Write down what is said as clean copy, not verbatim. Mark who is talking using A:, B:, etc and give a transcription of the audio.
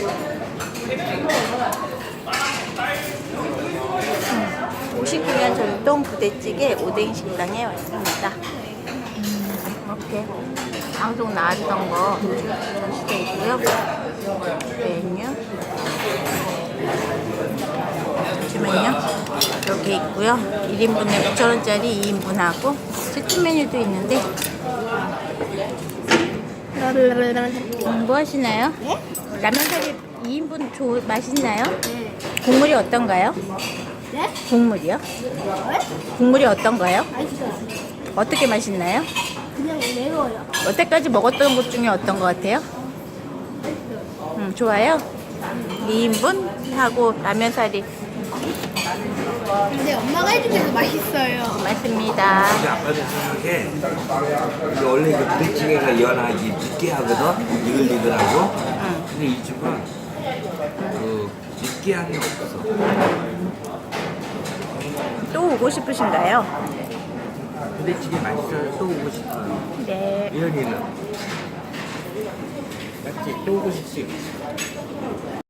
A: (59년) 전통 부대찌개 오뎅 식당에 왔습니다. 이렇게 방송 나왔던 거 전시되어 있고요. 메뉴 잠시만요. 이렇게 있고요. 1인분에 9,000원짜리 2인분하고 세트 메뉴도 있는데 뭐 하시나요?
B: 네?
A: 라면사리 2인분 맛있나요?
B: 네.
A: 국물이 어떤가요?
B: 네?
A: 국물이요?
B: 네?
A: 국물이 어떤가요?
B: 맛있어요.
A: 어떻게 맛있나요?
B: 그냥 매워요.
A: 여태까지 먹었던 것 중에 어떤 것 같아요? 좋아요? 2인분 하고 라면사리
B: 근데 엄마가 해주면 맛있어요.
A: 맞습니다.
C: 근데 아빠도 생각해. 이게 원래 이거 부대찌개가 연하지 느끼하거든. 이글이글하고. 근데 이 집은 그 느끼함이 없어.
A: 또 오고 싶으신가요?
C: 부대찌개 맛있어서 또 오고 싶어요.
A: 네.
C: 이현이는 맞지? 또 오고 싶지.